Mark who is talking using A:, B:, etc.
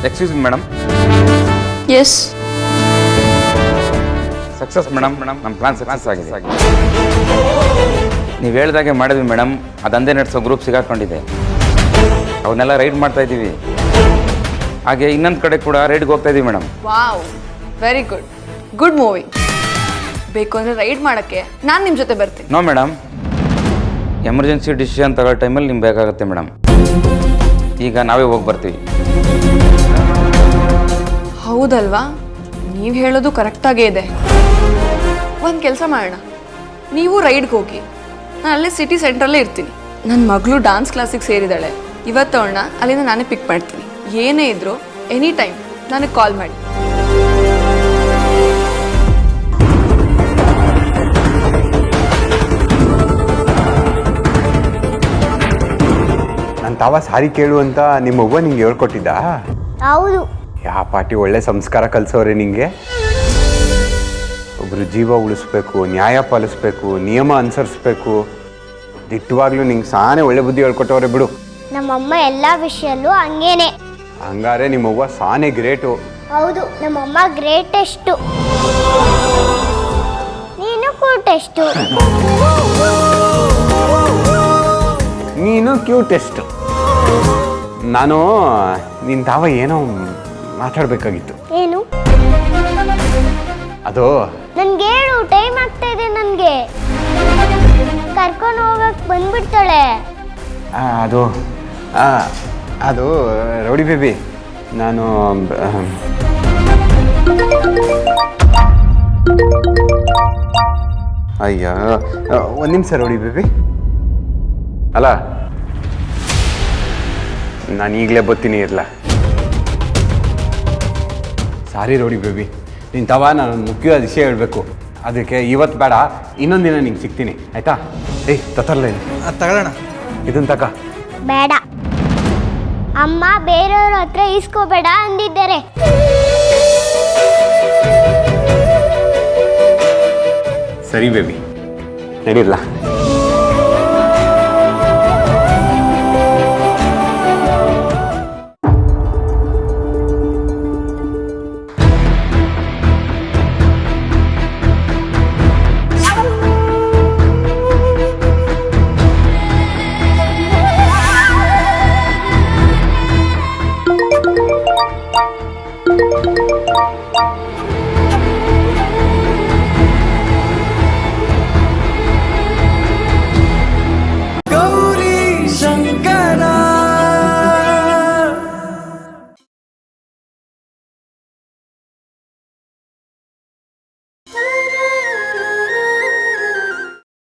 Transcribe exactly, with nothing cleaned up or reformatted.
A: Excuse me madam.
B: Yes
A: success madam. Madam ನಮ್ಮ plan success ಆಗಿದೆ. ನೀವು ಹೇಳ್ದಾಗೆ ಮಾಡಿದ್ವಿ ಮೇಡಮ್. ಅದಂದೇ ನಡೆಸೋ ಗ್ರೂಪ್ ಸಿಗಾಕೊಂಡಿದೆ. ಅವನ್ನೆಲ್ಲ ರೈಡ್ ಮಾಡ್ತಾ ಇದ್ದೀವಿ. ಹಾಗೆ ಇನ್ನೊಂದು ಕಡೆ ಕೂಡ ರೈಡ್ಗೆ ಹೋಗ್ತಾ ಇದ್ದೀವಿ madam.
B: Wow, very good. Good movie. ಬೇಕು ಅಂದರೆ ರೈಡ್ ಮಾಡೋಕ್ಕೆ ನಾನು ನಿಮ್ಮ ಜೊತೆ ಬರ್ತೀನಿ.
A: ನೋ ಮೇಡಮ್, ಎಮರ್ಜೆನ್ಸಿ ಡಿಸಿಷನ್ ತಗೊಳ್ಳೋ ಟೈಮಲ್ಲಿ ನಿಮ್ಗೆ ಬೇಕಾಗುತ್ತೆ ಮೇಡಮ್. ಈಗ ನಾವೇ ಹೋಗಿ ಬರ್ತೀವಿ.
B: ಹೌದಲ್ವಾ? ನೀವು ಹೇಳೋದು ಕರೆಕ್ಟಾಗೇ ಇದೆ. ಒಂದು ಕೆಲಸ ಮಾಡೋಣ, ನೀವು ರೈಡ್ಗೆ ಹೋಗಿ, ನಾನು ಅಲ್ಲೇ ಸಿಟಿ ಸೆಂಟ್ರಲ್ಲೇ ಇರ್ತೀನಿ. ನನ್ನ ಮಗಳು ಡಾನ್ಸ್ ಕ್ಲಾಸಿಗೆ ಸೇರಿದ್ದಾಳೆ. ಇವತ್ತು ಅವಳನ್ನ ಅಲ್ಲಿಂದ ನಾನೇ ಪಿಕ್ ಮಾಡ್ತೀನಿ. ಏನೇ ಇದ್ದರೂ ಎನಿ ಟೈಮ್ ನನಗೆ ಕಾಲ್ ಮಾಡಿ.
C: ನನ್ನ ತಾವ ಸಾರಿ ಕೇಳು ಅಂತ ನಿಮ್ಮ ಅವ್ವ ನಿಂಗೆ ಹೇಳ್ಕೊಟ್ಟಿದ್ದ?
D: ಹೌದು.
C: ಯಾ ಪಾಟಿ ಒಳ್ಳೆ ಸಂಸ್ಕಾರ ಕಲಿಸೋರೆ ನಿಂಗೆ. ಒಬ್ರು ಜೀವ ಉಳಿಸ್ಬೇಕು, ನ್ಯಾಯ ಪಾಲಿಸ್ಬೇಕು, ನಿಯಮ ಅನುಸರಿಸ್ಬೇಕು. ದಿಟ್ಟವಾಗ್ಲೂ ನಿಂಗೆ ಸಾನೇ ಒಳ್ಳೆ ಬುದ್ಧಿ ಹೇಳ್ಕೊಟ್ಟವ್ರೆ ಬಿಡು.
D: ನಮ್ಮಮ್ಮ ಎಲ್ಲ ವಿಷಯಲ್ಲೂ ಹಂಗೇನೆ.
C: ಹಂಗಾರೆ ನಿಮ್ಮವ್ವ ಸಾನೇ ಗ್ರೇಟು.
D: ಹೌದು, ನಮ್ಮಮ್ಮ ಗ್ರೇಟೆಸ್ಟು. ನೀನು ಕೂಟೆಸ್ಟು.
C: ನೀನು ಕ್ಯೂಟೆಸ್ಟು. ನಾನು ನಿನ್ನ ತಾವ ಏನೋ ಮಾತಾಡಬೇಕಾಗಿತ್ತು.
D: ಏನು?
C: ಅದು
D: ನನ್ಗೆ ಹೇಳು, ಟೈಮ್ ಆಗ್ತಾ ಇದೆ. ನನಗೆ ಕರ್ಕೊಂಡು ಹೋಗಕ್ಕೆ ಬಂದ್ಬಿಡ್ತಾಳೆ.
C: ಅದು ಅದು ರೌಡಿ ಬೇಬಿ, ನಾನು ಅಯ್ಯ ಒಂದು ನಿಮಿಷ ರೌಡಿ ಬೇಬಿ. ಅಲ್ಲ, ನಾನು ಈಗಲೇ ಬರ್ತೀನಿ ಇರಲ್ಲ. ಸಾರಿ ರೌಡಿ ಬೇಬಿ, ನಿನ್ನ ತವ ನಾನು ಮುಖ್ಯವಾದ ವಿಷಯ ಹೇಳಬೇಕು. ಅದಕ್ಕೆ ಇವತ್ತು ಬೇಡ, ಇನ್ನೊಂದು ದಿನ ನಿಂಗೆ ಸಿಗ್ತೀನಿ, ಆಯಿತಾ? ಏಯ್ ತತ್ತಲ್ಲ
E: ತಗೊಳ್ಳೋಣ.
C: ಇದನ್ನು ತಗ.
D: ಬೇಡ, ಅಮ್ಮ ಬೇರೆಯವ್ರ ಹತ್ರ ಇಸ್ಕೋಬೇಡ ಅಂದಿದ್ದಾರೆ.
C: ಸರಿ ಬೇಬಿ, ನಡೀರಲ್ಲ.